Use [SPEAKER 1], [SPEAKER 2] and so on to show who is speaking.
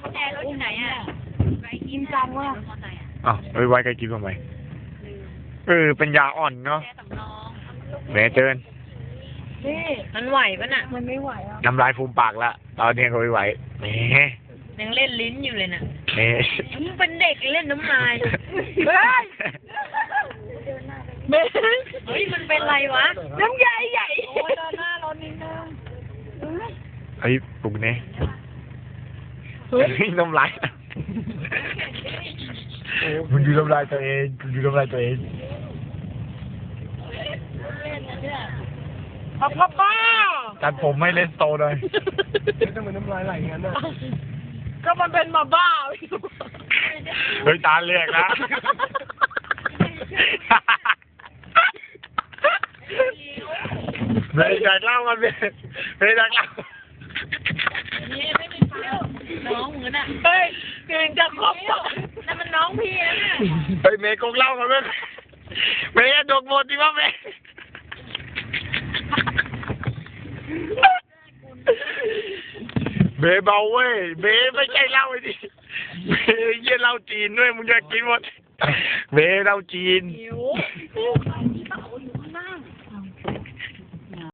[SPEAKER 1] แจรถอยู่ไหนอ่ะกินจังว่ะ
[SPEAKER 2] อ้าวไว้ใครกินทำไมเป็นยาอ่อนเนาะแหมเจิน
[SPEAKER 1] นี่มันไหวปะน่ะมันไม่ไหวอ่ะ
[SPEAKER 2] น้ำลายฟูมปากละตอนนี้ก็ไม่ไหวแหม
[SPEAKER 1] ยังเล่นลิ้นอยู่เลยน่ะ
[SPEAKER 2] แหม
[SPEAKER 1] มึงเป็นเด็กเล่นน้ำลายเฮ้ยมันเป็นไรวะน้ำใหญ่ใหญ่โอ้ยเดินหน้าร้อนนิดนึง
[SPEAKER 2] ไอ้ปลุกเนี่ยน้ำลายมันดูน้ำลายตัวเองดูน้ำลายตัวเอง
[SPEAKER 1] ป้า
[SPEAKER 2] ตัดผมไม่เล่นโตเลย
[SPEAKER 3] ทำไมน้ำลายไหลงั้นน่ะ
[SPEAKER 1] ก็มันเป็นมาบ้า
[SPEAKER 2] เฮ้ยตาเรียกนะเบย์จากเล่ากันเบย์จากเล่า
[SPEAKER 1] นี่ไม่มีเปล่าน้องเหมือนอ่ะเฮ้ยเก่งจะครบนั่นมันน้องพี่นะ
[SPEAKER 2] เฮ้ยเมย์กงเล่ากันเมย์ดกหมดดิวะเมย์เบย์เบาเว้ยเบย์ไม่ใช่เหล้าไอ้ดิเบย์เยี่ยเหล้าจีนด้วยมึงอยากกินหมดเบย์เหล้าจีน